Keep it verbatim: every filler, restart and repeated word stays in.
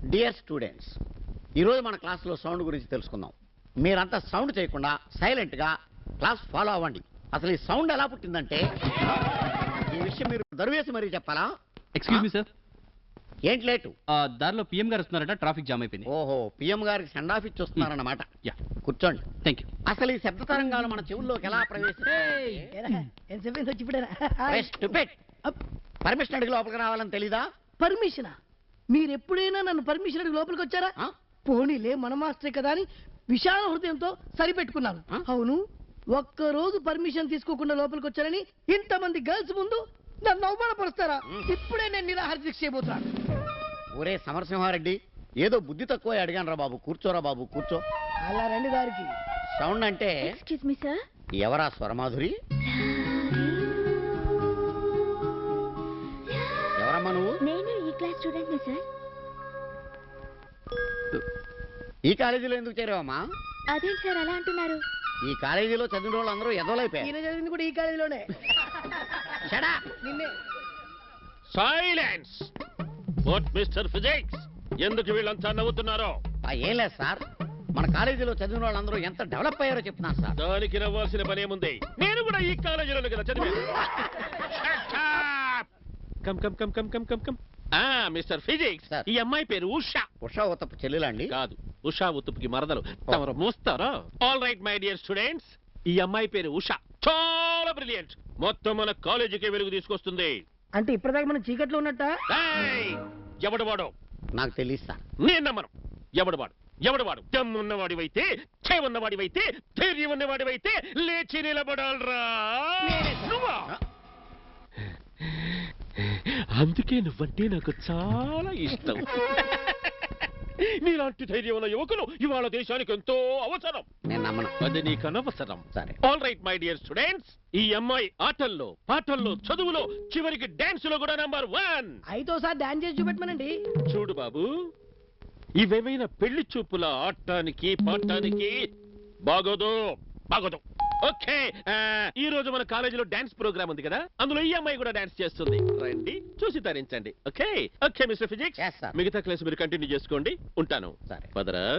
Dear students, ఈరోజు మన క్లాస్లో సౌండ్ గురించి తెలుసుకుందాం. మీరంతా సౌండ్ చేయకుండా సైలెంట్గా క్లాస్ ఫాలో అవ్వండి. అసలు ఈ సౌండ్ ఎలా పుట్టిందంటే ఈ విషయం మీరు దరువేసి మరీ చెప్పాలా? ఎక్స్క్యూజ్ మీ సార్, ఏంటి లేటు? దారిలో పిఎం గారు వస్తున్నారట, ట్రాఫిక్ జామ్ అయిపోయింది. ఓహో, పిఎం గారికి సెండ్ ఆఫ్ ఇచ్చి వస్తున్నారన్నమాట. యా, కూర్చోండి. Thank you. అసలు ఈ శబ్ద తరంగాలు మన చెవుల్లోకి ఎలా ప్రవేశిస్తాయి? పర్మిషన్ అడిగి లోపలికి రావాలని తెలీదా? పర్మిషనా? మీరెప్పుడైనా నన్ను పర్మిషన్ అడిగి లోపలికి వచ్చారా? ఆ? పోనీలే, మన మాస్టరే కదా అని విశాల హృదయంతో సరిపెట్టుకున్నాను. ఆ? అవును, ఒక్క రోజు పర్మిషన్ తీసుకోకుండా లోపలికి వచ్చారని ఇంతమంది గర్ల్స్ ముందు నన్ను అవమానపరుస్తారా? ఇప్పుడే నేను నిరాహార దీక్ష చేయబోతున్నాను. ఒరే సమరసింహారెడ్డి, ఏదో బుద్ధి తక్కువ అడిగాను రా బాబు. కూర్చోరా బాబు, కూర్చో. అలా రండి దారికి. సౌండ్ అంటే ఎక్స్క్యూజ్ మీ సార్. ఎవరా స్వరమాధురి? ఎవరమ్మా నువ్వు? నేను ఈ క్లాస్ స్టూడెంట్ ని సార్. ఈ కాలేజీలో ఎందుకు చేరావమ్మా? అదేంటి సార్ అలా అంటున్నారు? ఈ కాలేజీలో చదివిన వాళ్ళందరూ ఎదవలైపోయారు. ఈయన చదివింది కూడా ఈ కాలేజీలోనే. Shut up! నిన్నే. సైలెన్స్! వాట్ మిస్టర్ ఫిజిక్స్, ఎందుకు వీళ్ళంతా నవ్వుతున్నారో? ఆ, ఏం లేదు సార్, మన కాలేజీలో చదివిన వాళ్ళందరూ ఎంత డెవలప్ అయ్యారో చెప్తున్నాను సార్. దానికి నవ్వాల్సిన పనేముంది? నేను కూడా ఈ కాలేజీలో కదా చదివాను. Come come come come come come come ఆ మిస్టర్ ఫిజిక్స్, Sir. ఈ అమ్మాయి పేరు ఉషా. ఉషా ఉత్తపు చెల్లెలండి? కాదు, ఉషా ఉత్తుపుకి మరదలు. తమరు మూస్తారా? All right my dear students, ఈ అమ్మాయి పేరు ఉషా. చాలా బ్రిలియంట్. మొత్తం మన కాలేజీకి వెలుగు తీసుకొస్తుంది. అంటే ఇప్పటిదాకా మనం చీకట్లో ఉన్నట్ట? ఏయ్! ఎవడు వాడు? నాకు తెలియదు సార్. నేను నమ్మను. ఎవడు వాడు? ఎవడు వాడు? దమ్మున్నవాడివైతే, చే ఉన్నవాడివైతే, ధైర్యం ఉన్నవాడివైతే లేచి నిలబడాలరా. నువ్వా? అందుకే నువ్వంటే నాకు చాలా ఇష్టం. నీలాంటి ధైర్యం ఉన్న యువకులు ఇవాళ దేశానికి ఎంతో అవసరం. నేను నమ్మను. అది నీకు అనవసరం. సరే. All right my dear students, ఈ అమ్మాయి ఆటల్లో, పాటల్లో, చదువులో, చివరికి డాన్స్ లో కూడా నంబర్ వన్. అయితే ఒకసారి డాన్స్ చేసి చూపెట్టమనండి. చూడు బాబు, ఇవేమైనా పెళ్లి చూపుల ఆడటానికి పాడటానికి బాగోదు, బాగోదు. ఓకే, ఈ రోజు మన కాలేజీలో డాన్స్ ప్రోగ్రామ్ ఉంది కదా, అందులో ఈ అమ్మాయి కూడా డాన్స్ చేస్తుంది. రండి, చూసి తరించండి. Okay okay mister physics, Yes, sir. మిగతా క్లాస్ మీరు కంటిన్యూ చేసుకోండి. ఉంటాను. సరే. పదరా.